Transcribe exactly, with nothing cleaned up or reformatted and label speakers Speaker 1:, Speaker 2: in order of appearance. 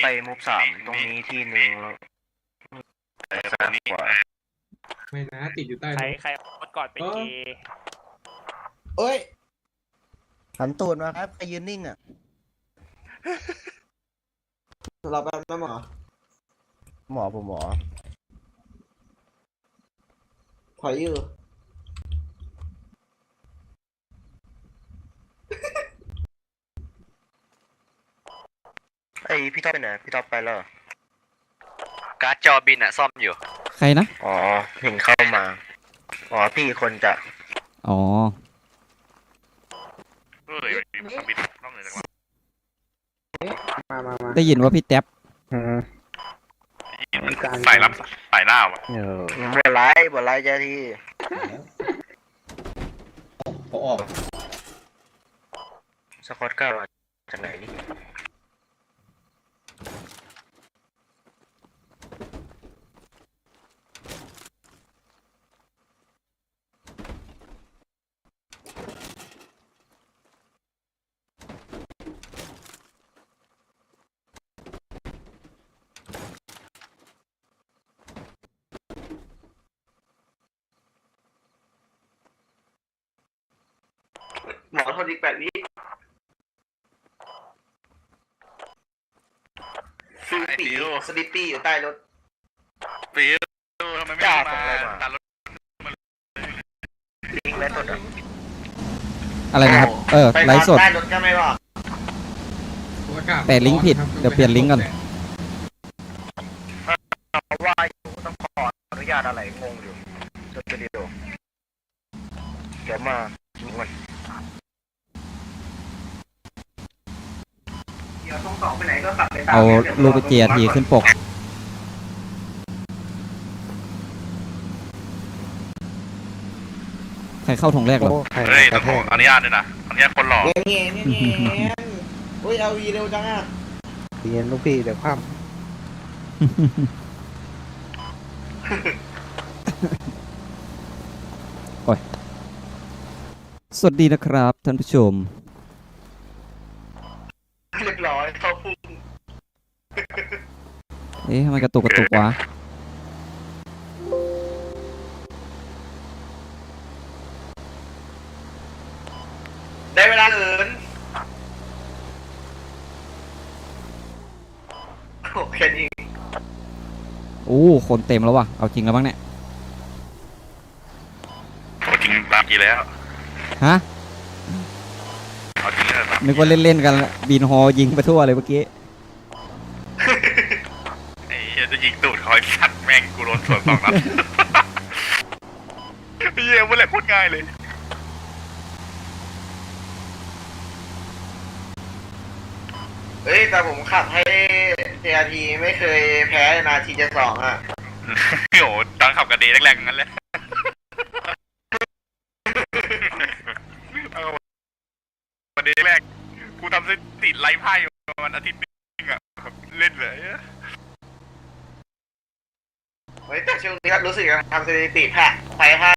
Speaker 1: ไปมุกสามตรงนี้ที่หนึ่งแล้วซ้ายขวา
Speaker 2: ไม่นะติดอยู่ใต้
Speaker 3: ใคร
Speaker 2: รถ
Speaker 3: ใครรถก่อนเป็นเอ
Speaker 4: เอ้ยหันตูดมาครับใครยืนนิ่งอ่ะเราแป๊บนะหมอหมอผมหมอถอยอยู่
Speaker 1: ไอพี่ท็อปไปไหนพี่ท็อปไปแล้ว
Speaker 5: การ์ดจอบินอะซ่อมอยู่
Speaker 6: ใครนะ
Speaker 1: อ๋อเห็นเข้ามาอ๋อพี่คนจะ
Speaker 6: อ๋อ
Speaker 5: เฮ้ยบินนอกเหนือจากเรา
Speaker 4: มามามา
Speaker 6: ได้ยินว่าพี่แท็บ
Speaker 5: สายลับสายหน้าวะ
Speaker 1: บัวไล่บัวไล่เจ้าที่
Speaker 2: เขาออก
Speaker 1: สกอตเก้ามาจากไหนนี่หมอทนอีกแปดวิฟิวปีสลิปปี้อยู่ใต้รถ
Speaker 5: ฟิวทำไมไม่
Speaker 1: จ้า
Speaker 5: มา
Speaker 1: ส่งอะไรมา
Speaker 5: ตัดรถ
Speaker 1: ลิงก์และสดอ่ะ
Speaker 6: อะไรนะครับ เออ
Speaker 1: ไป
Speaker 6: ไลฟ์สด
Speaker 1: ใต้รถก็ไม่บอก
Speaker 6: แต่ลิงก์ผิดเดี๋ยวเปลี่ยนลิงก์ก่อน
Speaker 1: เพราะว่าอยู่ต้องขออนุญาตอะไรงงอยู่จดวิดีโอเดี๋ยวมาดูกันเดี๋ยวต้องสองไปไหนก็ขับไปตาม
Speaker 6: เอารูปไปเจียทีขึ้นปก ใครเข้าทงแรกเหรอ
Speaker 5: เฮ้ยต้องขออนุญาตด้วยนะอนุญาตคนหล่อ
Speaker 4: เงี้ยเงี้ยเงี้ยเงี้ยโอ้ยเอาวีเร็วจังอ่ะเย็นลูกพี่เดี๋ยวคว่ำ
Speaker 6: โอ้ย สวัสดีนะครับท่านผู้ชม
Speaker 1: เรียบร้อยเข้าพุ่ง
Speaker 6: เอ๊ะทำไมกระตุกกระตุกวะ
Speaker 1: ได้เวลาเหินโอเคนี่
Speaker 6: โอ้ คนเต็มแล้ววะเอาจริงแล้วบ้างเนี่ย
Speaker 5: เอาจริงตามกี่แล้ว
Speaker 6: ฮะ
Speaker 5: เอาจริงแล้ว
Speaker 6: นึกว่าเล่นๆกันละบินฮอยิงไปทั่วเลยเมื่อกี้
Speaker 5: ไอ้เหี้ยจะยิงตูดคอยสัตว์แม่งกูโดนสวนสองนัดไอ้เหี้ยมันแหละโคตรง่ายเลย
Speaker 1: เฮ้ยแต่ผมขับให้ เจ อาร์ ที ไม่เคยแพ้นาทีจะสองอ่ะ
Speaker 5: โอ้โหตอนขับกระเดย์แรกๆงั้นเลยเอากระเดย์แรกกูทำสถิติไล่ไพ่อยู่ประมาณอาทิตย์นึงอะเล่นเลย
Speaker 1: เฮ้ยแต่ช่วงนี้ก็รู้สึกทำสถิติแพ้ไปห้า